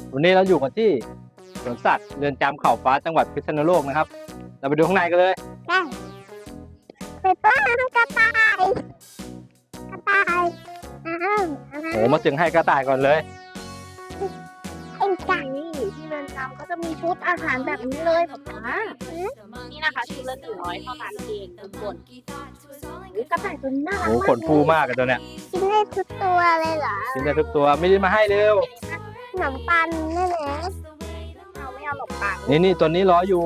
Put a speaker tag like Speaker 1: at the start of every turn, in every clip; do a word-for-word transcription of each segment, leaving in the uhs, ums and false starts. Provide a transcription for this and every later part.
Speaker 1: วันนี้เราอยู่กันที่สวนสัตว์เรือนจำเขาฟ้าจังหวัดพิษณุโลกนะครับเราไปดูข้างในกันเลย
Speaker 2: ได้ไปป้อนกระต่ายกระต่ายอ้าว
Speaker 1: โอ้มาถึงให้กระต่ายก่อนเลย
Speaker 2: เป็นไก่
Speaker 3: นี่ที่เรือนจำก็จะมีชุดอาหารแบบนี้เลยป๊าป๊านี่นะคะชุดละหนึ่งร้อยเท่านั้นเองทุกคนกระต่ายตัวนี้น่ารัก
Speaker 1: โอ้
Speaker 3: มาก
Speaker 1: ขนฟูมากกันตัวเนี้ย
Speaker 2: กินได้ทุกตัวเลยเหรอ
Speaker 1: กินได้ทุกตัวไม่ได้มาให้เร็ว
Speaker 2: ขนมปังนี่แหละ
Speaker 3: เอาไม่เอาหลบปาก
Speaker 1: นี่นี่ตัวนี้รออยู่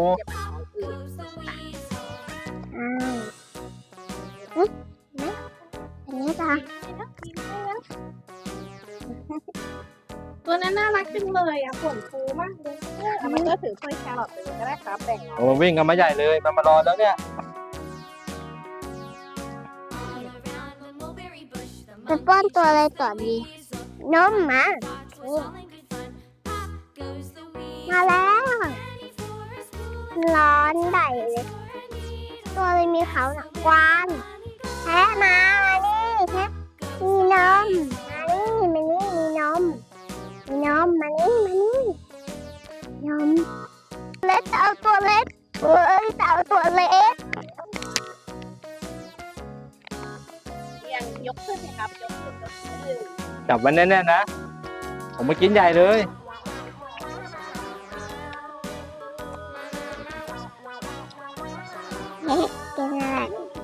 Speaker 2: อ้าวอุ๊ยเห็นไหมอันนี้จ้ะ
Speaker 3: ตัวนั้นน่ารักจังเลยอ่ะขนฟูมากเลยเอามันก็ถือถ้วยแครอทไปเลยก็ได้ครับแบ่งเอา
Speaker 1: โอ้วิ่งกันมาใหญ่เลยมันมารอแล้วเนี่ย
Speaker 2: ไปป้อนตัวอะไรก่อนดีนมมานี่มาแล้วร้อนใหญ่เลยตัวอะไรมีเขาหนักกวางแพะมามานี่แพะมีนมมานี่มานี่มีนมมีนมมานี่มานี่นมเล็กจะเอาตัวเล็กเอ้ยจะเอาตัวเล็ก
Speaker 3: ยังยกขึ้นสิครับยกขึ้นยกขึ้น
Speaker 1: จับมันแน่ๆนะผมมากินใหญ่เลย
Speaker 2: เฮ้ยกินอะไร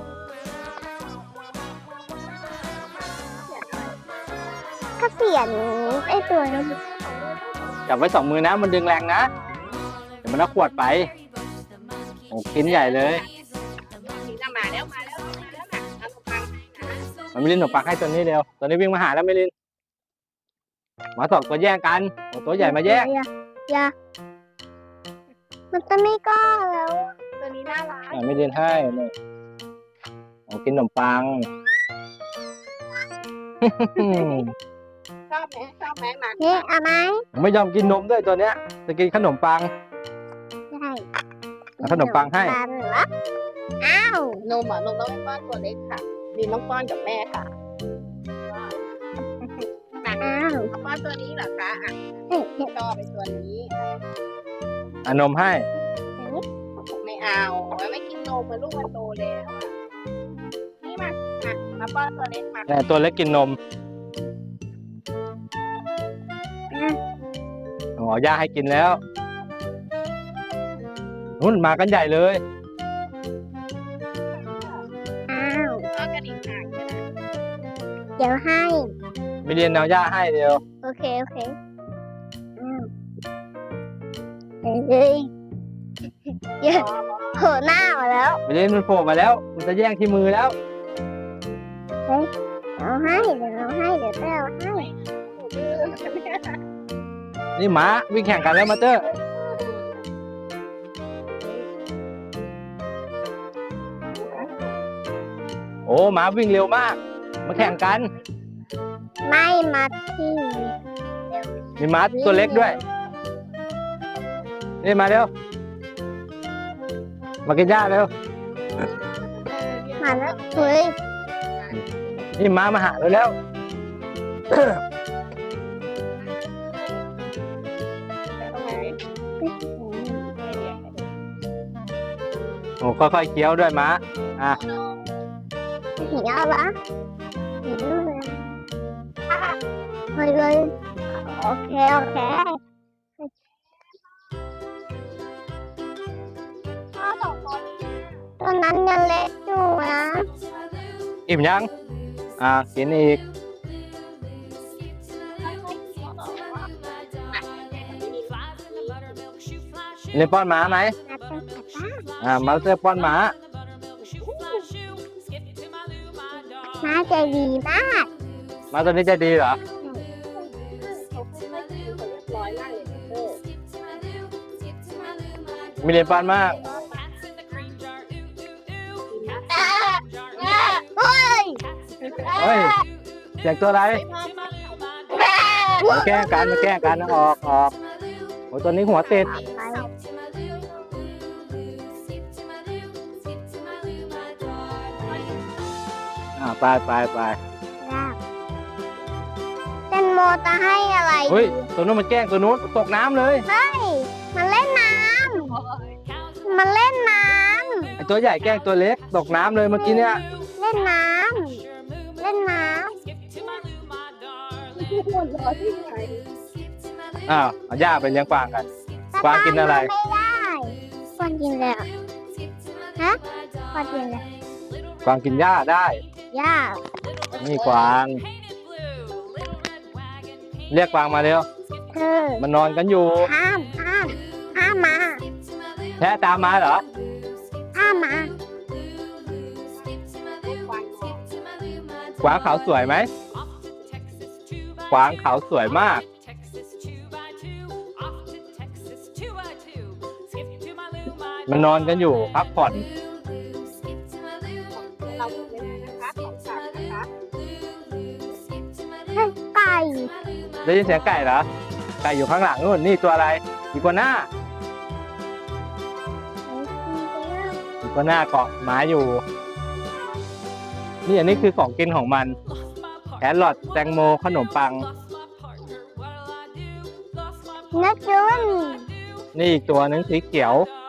Speaker 2: ก็เสียนไอ้ตัวนั้น
Speaker 1: จับไว้สองมือนะมันดึงแรงนะเดี๋ยวมันเอาขวดไปโอ้กินใหญ่เลย
Speaker 3: นี่จะมาแล้วมาแล้วมาแล้วนะเอาขนมปังให้นะ
Speaker 1: มันไม่ลินหนมปังให้ตัวนี้เร็วตัวนี้วิ่งมาหาแล้วไม่ลินมาสองตัวแย่งกันโอ้ตัวใหญ่มาแย่ง
Speaker 2: อย่าอย่ามันจะไม่กล้าแล้ว
Speaker 3: ตัวนี้น่ารัก
Speaker 1: อ่ะไม่ลินให้เลยโอ้กินขนมปัง
Speaker 3: ชอบไหมชอบไหมมัน
Speaker 2: นี่เอาไหม
Speaker 1: ไม่ยอมกินนมด้วยตัวเนี้ยจะกินขนมปัง
Speaker 2: ใช่
Speaker 1: เอาขนมปังให้
Speaker 2: ปังเหรออ้าวน
Speaker 3: มอ่ะนมต้องป้อนตัวเล็กค่ะดินต้องป้อนกับแม่ค่ะ
Speaker 2: อ้าว
Speaker 3: เอาป้อนตัวนี้เหรอคะอ่ะ
Speaker 2: เฮ้ยเฮ้ย
Speaker 3: ชอบไปตัวนี้
Speaker 1: อานมให้
Speaker 3: ไม่เอาไม่กินนมมันลูกมันโตแล้วอะนี่มามามาป้อนตัวเล็กมา
Speaker 1: แต่ตัวเล็กกินนมอ๋อย่าให้กินแล้วนุ่นมากันใหญ่เลย
Speaker 2: อ้าว
Speaker 3: ก็กระดิ่งหางกันนะ
Speaker 2: เดี๋ยวให้
Speaker 1: ไม่เรียนเอาย่าให้เดียว
Speaker 2: โอเค โอเคอ้าวเฮ้ยเยอะโผล่หน้ามาแล้ว
Speaker 1: ไม่เรียนมันโผล่มาแล้ว มันจะแย่งที่มือแล้ว
Speaker 2: เอาให้เดี๋ยวเอาให้เดี๋ยวเต้เอาให้
Speaker 1: นี่หมาวิ่งแข่งกันแล้วมาเตอร์โอ้หมาวิ่งเร็วมาก มาแข่งกัน
Speaker 2: ไม่มาที่
Speaker 1: มีหมาตัวเล็กด้วย นี่มาเร็ว มากินหญ้าเร็ว
Speaker 2: มาแล้วเฮ้ย
Speaker 1: นี่หมามาหาเราแล้ว โอ้ค่อยๆเคี้ยวด้วยหมาอ่ะ
Speaker 2: หิวเหรอหิวเลยเฮ้ยเลยโอเค โอเคตอนนั้นยังเล็กอยู่นะ
Speaker 1: อิ่มยัง อ่ะกินอีกเล่นป้อนหมาไหม
Speaker 2: นัดกันกลับบ้าน
Speaker 1: อ่ามาเตอร์ป้อนหมา
Speaker 2: น้าใจดีมาก
Speaker 1: หมาตัวนี้ใจดีเหรอ
Speaker 3: ร้อยล่างเลย
Speaker 1: มีเรียนป้อนมาก
Speaker 2: เฮ้ย
Speaker 1: เฮ้ยเสียงตัวอะไรมาแกล้งกันมาแกล้งกันออกออกโอ้ยตัวนี้หัวติด อ่าไปไปไป
Speaker 2: แต่นโมจะให้อะไร
Speaker 1: เฮ้ยตัวนู้นมันแกล้งตัวนู้นตกน้ำเลย
Speaker 2: เฮ้ยมันเล่นน้ำมันเล่นน้
Speaker 1: ไอตัวใหญ่แกล้งตัวเล็กตกน้ำเลยเมื่อกี้เนี่ย
Speaker 2: ำเล่นน้ำเล่นน้
Speaker 3: หัวเราะที่ไหน
Speaker 1: อ้าวเอาย่าไปเลี้ยงกวางกัน
Speaker 2: ำ
Speaker 1: กวางกินอะไร
Speaker 2: ไม่ได้กวางกินแล้วฮะกวางกินแล้ว
Speaker 1: กวางกินหญ้าได้
Speaker 2: ย่า
Speaker 1: นี่กวาง เรียกกวางมาเร็ว
Speaker 2: เธอ
Speaker 1: มันนอนกันอยู่
Speaker 2: ห้ามห้ามห้ามมา
Speaker 1: แพะตามมาเหรอ
Speaker 2: ห้ามมา
Speaker 1: กวางเขาสวยไหมกวางเขาสวยมาก มันนอนกันอยู่พักผ่อน
Speaker 3: เราเป็นยังไงนะคะของสัตว์นะคะ
Speaker 2: เฮ้ยไก่
Speaker 1: ได้ยินเสียงไก่เหรอ ไก่อยู่ข้างหลังนู่น นี่ตัวอะไรอีกัวน่าอีกัวน่าเกาะไม้อยู่ นี่อันนี้คือของกินของมัน แครอทแตงโมขนมปัง
Speaker 2: นักจุน
Speaker 1: นี่อีกตัวหนึงสีเขียว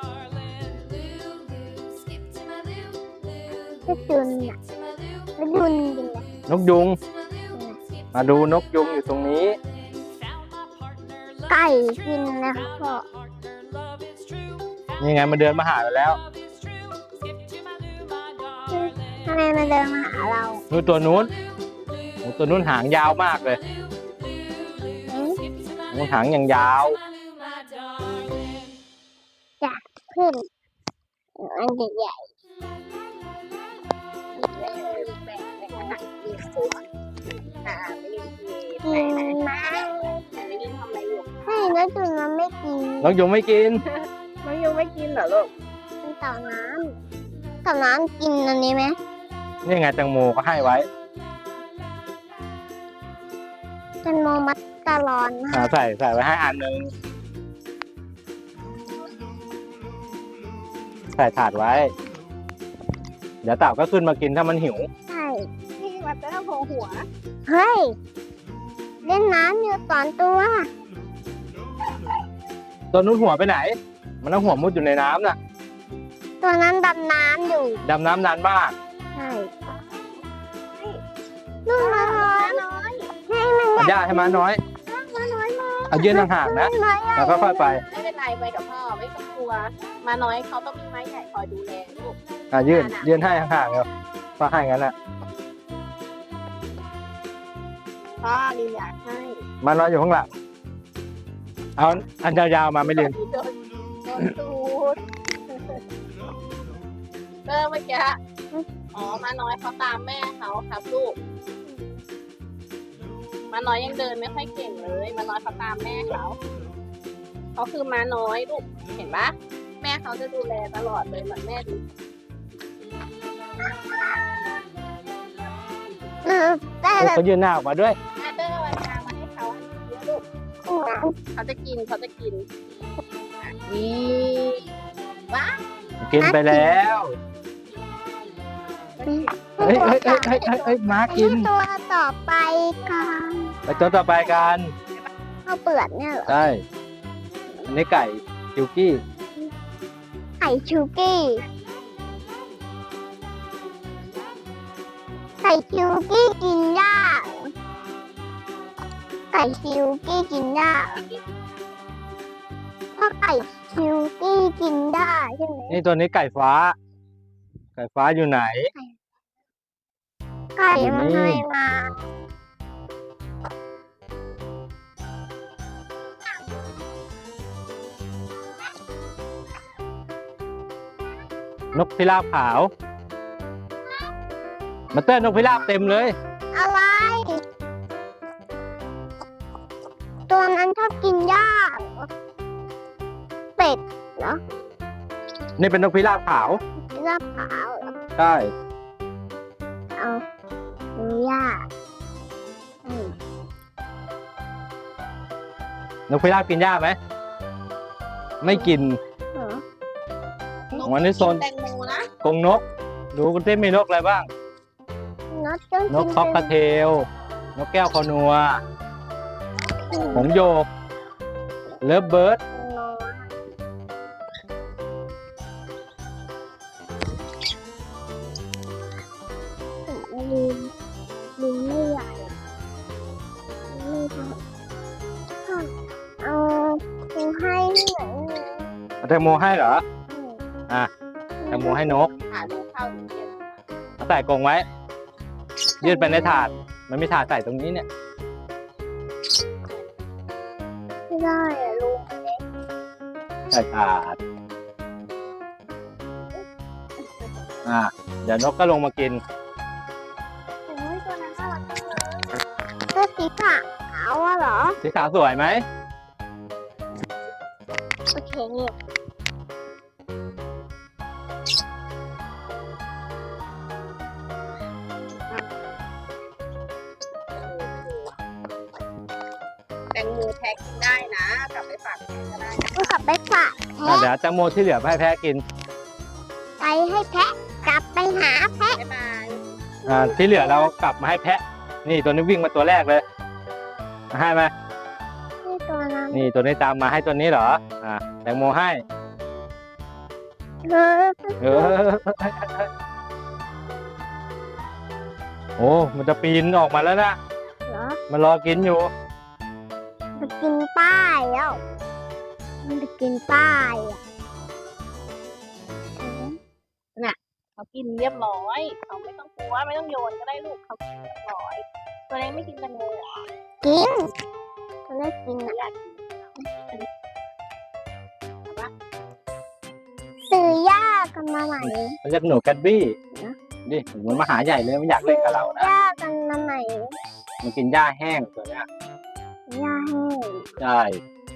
Speaker 2: นักจุนน่ะนักจุนจริงนะ
Speaker 1: นกยุง มาดูนกยุงอยู่ตรงนี้
Speaker 2: ไก่กินนะพ่อ
Speaker 1: นี่ไงมันเดินมาหาเราแล้ว
Speaker 2: ทำไมมันเดินมาหาเรา
Speaker 1: นู่นตัวนู้นโอ้ตัวนู้นหางยาวมากเลย
Speaker 2: เอ๊ะ
Speaker 1: นู้นหางอย่างยาว
Speaker 2: ขึ้นอันใหญ่
Speaker 3: แบ่งแบ่งขนาดเล็กสุดอ่าไม่ได้
Speaker 2: ๆ
Speaker 3: กิ
Speaker 2: กิ
Speaker 3: น
Speaker 2: นมา
Speaker 3: ไม่ได้ทำอะไรอยู่
Speaker 2: ให้นักจุนมันไม่กิน
Speaker 1: นกยุงไม่กิน
Speaker 3: น้องยูไม่กินเหรอลูก
Speaker 2: มันเต่าน้ำเต่าน้ำกินอันนี้ไหม
Speaker 1: นี่ไงแตงโมก็ให้ไว้
Speaker 2: เป็นโมมัตตาลอนนะ
Speaker 1: อ่าใส่ใส่ไว้ให้อันหนึง ใส่ถาดไว้ เดี๋ยวเต่าก็ขึ้นมากินถ้ามันหิว
Speaker 2: ใช่
Speaker 3: นี่มันจะต้องหัว
Speaker 2: เฮ้ย เล่นน้ำอยู่สอนตัว
Speaker 1: ตัวนู้นหัวไปไหน มันต้องหัวมุดอยู่ในน้ำน่ะ
Speaker 2: ตัวนั้นดำน้ำอยู่
Speaker 1: ดำน้ำนานมาก
Speaker 2: ใช่นู่นมาน้อยให้มัน
Speaker 1: เอาย่าให้มาน้อย
Speaker 2: มาน้อยมา
Speaker 1: เอายื่นห่างๆนะ
Speaker 2: น้อย
Speaker 1: แล้วก็ค่อยไป
Speaker 3: ไม่เป็นไรไปกับพ่อไม่ต้องกลัว มาน้อยเขาต้องมีไม้ใหญ่คอยดูแลลูก
Speaker 1: อ่ะยื่นยื่นให้ห่างๆเร็วก็ให้งั้นน่ะ
Speaker 3: พ่อลีอยากให้
Speaker 1: มาน้อยอยู่ข้างหลัง เอาอันยาวๆมาไม่เรียน
Speaker 3: โดนโดนตูดเออเมื่อกี้อ๋อมาน้อยเขาตามแม่เขาครับลูก มาน้อยยังเดินไม่ค่อยเก่งเลย มาน้อยเขาตามแม่เขาเขาคือมาน้อยลูก เห็นปะแม่เขาจะดูแลตลอดเลยเหมือนแม่ดู
Speaker 2: เออแต่
Speaker 1: เออเขายื่นหน้าออกมาด้วย
Speaker 3: แม่เตอร์วันทางมาให้เขาเยอะลูก เขาจะกินเขาจะกินอ่ะนี่ว้า
Speaker 1: กินไปแล้ว เฮ้ยเฮ้ยเฮ้ยเฮ้ยเฮ้ยเฮ้ยม้ากิน
Speaker 2: ตัวต่อไปกัน
Speaker 1: ไปตัวต่อไปกัน
Speaker 2: ข้าวเปลือกเนี่ยเหรอ
Speaker 1: ใช่ อันนี้ไก่คิวกี้
Speaker 2: ไข่ชูกี้ไก่ชูกี้กินหญ้าไก่ชูกี้กินหญ้าเพราะไก่ชูกี้กินได้ใช่ไหม
Speaker 1: นี่ตัวนี้ไก่ฟ้า ไก่ฟ้าอยู่ไหน
Speaker 2: ไก่มันให้มา
Speaker 1: นกพิราบขาว มาเต้นนกพิราบเต็มเลย
Speaker 2: อะไร ตัวนั้นชอบกินหญ้าเหรอเป็ดเหรอ
Speaker 1: นี่เป็นนกพิราบขาว
Speaker 2: หญ้าขาวเหรอ
Speaker 1: ใช่
Speaker 2: เอาดูหญ้าอืม
Speaker 1: นกพิราบกินหญ้าไหม ไม่กิน
Speaker 2: เหรอ
Speaker 1: วันนี้โซน
Speaker 3: แตงโมนะ
Speaker 1: กรงนก ดูกันเต้มีนกอะไรบ้าง
Speaker 2: นกต้อง
Speaker 1: น
Speaker 2: กิ
Speaker 1: ก
Speaker 2: น
Speaker 1: คอกกระเทล นกแก้วคอนัว
Speaker 2: น
Speaker 1: หงส์โยกเลิฟเบิร์ด
Speaker 2: น้อยลิงลิงไม่ใหญ่ไม่ใช่เออครูให้ที่ไหนเนี่ย
Speaker 1: เอาแตงโมให้เหรอ อ่ะ แตงโมให้นก
Speaker 3: หาลูกเข้าอยู่เดียว
Speaker 1: เอาใส่กรงไว้ ยืดไปในถาด มันมีถาดใส่ตรงนี้เนี่ย
Speaker 2: ไม่ได้อะลุง
Speaker 1: ใส่ถาด อ่ะ เดี๋ยวนกก็ลงมากิน
Speaker 3: โอ้ยตัวนั้นน่ารักจังเลย
Speaker 2: เสื้อสีขาวอะเหรอ
Speaker 1: สีขาวสวยไหม
Speaker 2: โอเคเนี่ย
Speaker 3: แตงโมแพ็กกินได้นะกลับไปฝากแม่ก็ได้
Speaker 2: ก็กลับไปฝาก
Speaker 1: อ่ะ
Speaker 2: แพะ
Speaker 1: เดี๋ยวแตงโมที่เหลือให้แพะกิน
Speaker 2: ไปให้แพะกลับไปหาแพะ
Speaker 3: บ๊ายบาย
Speaker 1: อ่า ที่เหลือเรากลับมาให้แพะ นี่ตัวนี้วิ่งมาตัวแรกเลยให้ไหม
Speaker 2: นี่ตัวนั้น
Speaker 1: นี่ตัวนี้ตามมาให้ตัวนี้เหรอ อ่า แตงโมให้
Speaker 2: เออ
Speaker 1: เออ โอ้ มันจะปีนออกมาแล้วนะ
Speaker 2: เหรอ
Speaker 1: มันรอกินอยู่
Speaker 2: มันจะกินป้ายแล้วมันจะกินป้ายอ่ะ
Speaker 3: เขากินเรียบร้อยเขาไม่ต้องกลัวไม่ต้องโยนก็ได้ลูกเขากินเรียบร้อย ตัวเล็กไม่กินแตงโมเหรอ
Speaker 2: กินมันได้กินอ่ะ
Speaker 3: อยากกิน
Speaker 2: ซื้อย่ากันมาใหม่
Speaker 1: มันเรียกหนูแกดบี้
Speaker 2: นะ
Speaker 1: ดิมันมาหาใหญ่เลยมันอยากเล่นกับเรานะ
Speaker 2: ย่ากันมาใหม่
Speaker 1: มันกินหญ้าแห้งตัวเนี้ย
Speaker 2: ย่าแห้ง
Speaker 1: ใช่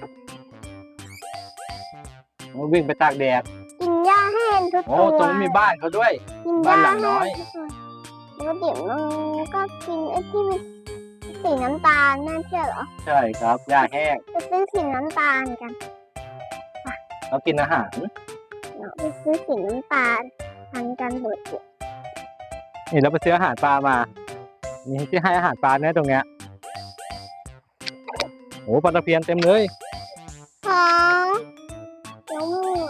Speaker 1: มันวิ่งไปตากแดด
Speaker 2: กินย่าแห้งทุก
Speaker 1: โอ้
Speaker 2: ตัว
Speaker 1: ตรงนี้มีบ้านเขาด้วย
Speaker 2: กิน
Speaker 1: บ้า
Speaker 2: ย่าน
Speaker 1: หลังน้
Speaker 2: แห้
Speaker 1: อย
Speaker 2: งทุกตัวแล้วเดี๋ยวมันก็กินไอ้ที่มันสีน้ำตาลนั่นใช่เหรอ
Speaker 1: ใช่ครับหญ้าแห้ง
Speaker 2: ไปซื้อสีน้ำตาลกัน
Speaker 1: เขากินอาหาร
Speaker 2: เนาะไปซื้อสีน้ำตาลทานกันเบิดเนี่ย
Speaker 1: นี่เราไปซื้ออาหารปลามา มีที่ให้อาหารปลาเนี่ยตรงเนี้ยโอ้ปลาตะเพียนเต็มเลย
Speaker 2: ของแล้วมือ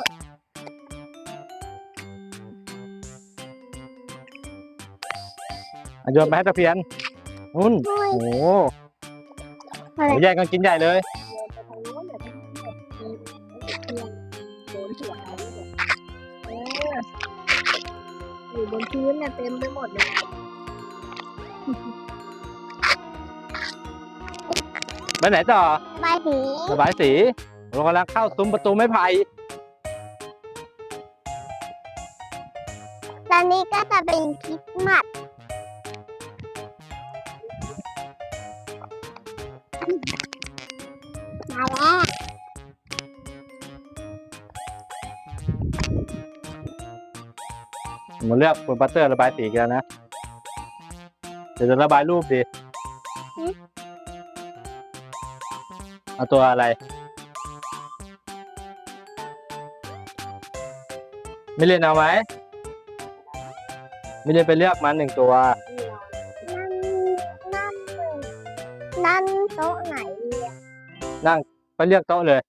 Speaker 1: อ่ะโยนไปให้ตะเพียนนุ่น
Speaker 2: ด้วย
Speaker 1: โอ้โห
Speaker 2: อะไร
Speaker 1: แย่งกันกินใหญ่เลย
Speaker 3: โยนไปทางนู้นเดี๋ยวมันจะกินโยนหัวเขาเลยเอออยู่บนพื้นเนี่ยเต็มไปหมดเลย
Speaker 1: ไปไหนต่อ
Speaker 2: ใบสี
Speaker 1: ระบายสีเรากำลังเข้าซุ้มประตูไม้ไผ่
Speaker 2: ตอนนี้ก็จะเป็นคริสต์มาสมาแล้ว
Speaker 1: ผมเลือกบนปัตเตอร์ระบายสีกันนะ เดี๋ยวจะระบายรูปดิเอาตัวอะไร ไม่เล่นเอาไหมไม่เล่นไปเลือกมาหนึ่งตัว
Speaker 2: นั่นนั่นนั่นโต๊ะไหนอะ
Speaker 1: ไปเลือกโต๊ะเลย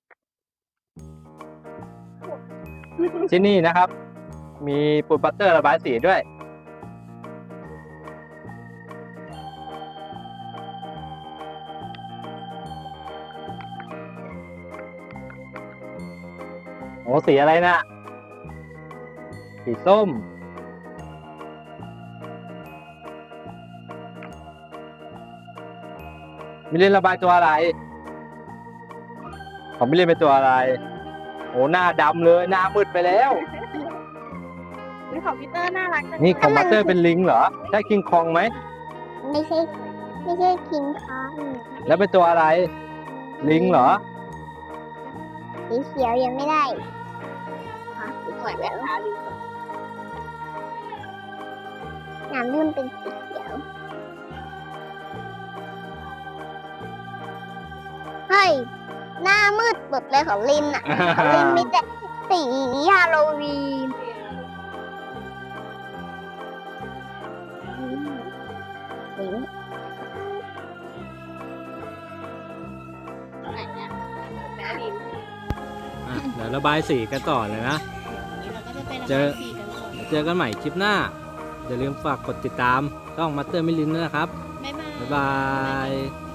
Speaker 1: ที่นี่นะครับ มีปูนปัตเตอร์ระบายสีด้วย โอ้สีอะไรนะสีส้ม มิเล่นระบายตัวอะไร ของมิเล่นเป็นตัวอะไร โอ้หน้าดำเลย หน้ามืดไปแล้ว
Speaker 3: นี่ของพีเตอร์น่ารักจัง
Speaker 1: นี่ของมาสเตอร์เป็นลิงเหรอ ใช่คิงคองไหม
Speaker 2: ไม่ใช่ไม่ใช่คิงคอง
Speaker 1: แล้วเป็นตัวอะไร ลิงเหรอ
Speaker 2: สีเขียวยังไม่ได้
Speaker 3: สวยแบบทาลิง
Speaker 2: น้ำเริ่มเป็นสีเขียวเฮ้ยหน้ามืดเปิดเลยของลินอะ ของลินมีแต่สีฮาโลวีนอืมสี
Speaker 1: เดี๋ยวระบายสีกันต่อเลยนะ
Speaker 3: แล้วเราก็จะไประ
Speaker 1: เจ
Speaker 3: บา
Speaker 1: อ
Speaker 3: ยสีกันก่อน
Speaker 1: เจอกันใหม่คลิปหน้า อย่าลืมฝากกดติดตามช่องมัตเตอร์มิลินด้วยนะครับ
Speaker 3: บ๊ายบาย
Speaker 1: บ๊ายบาย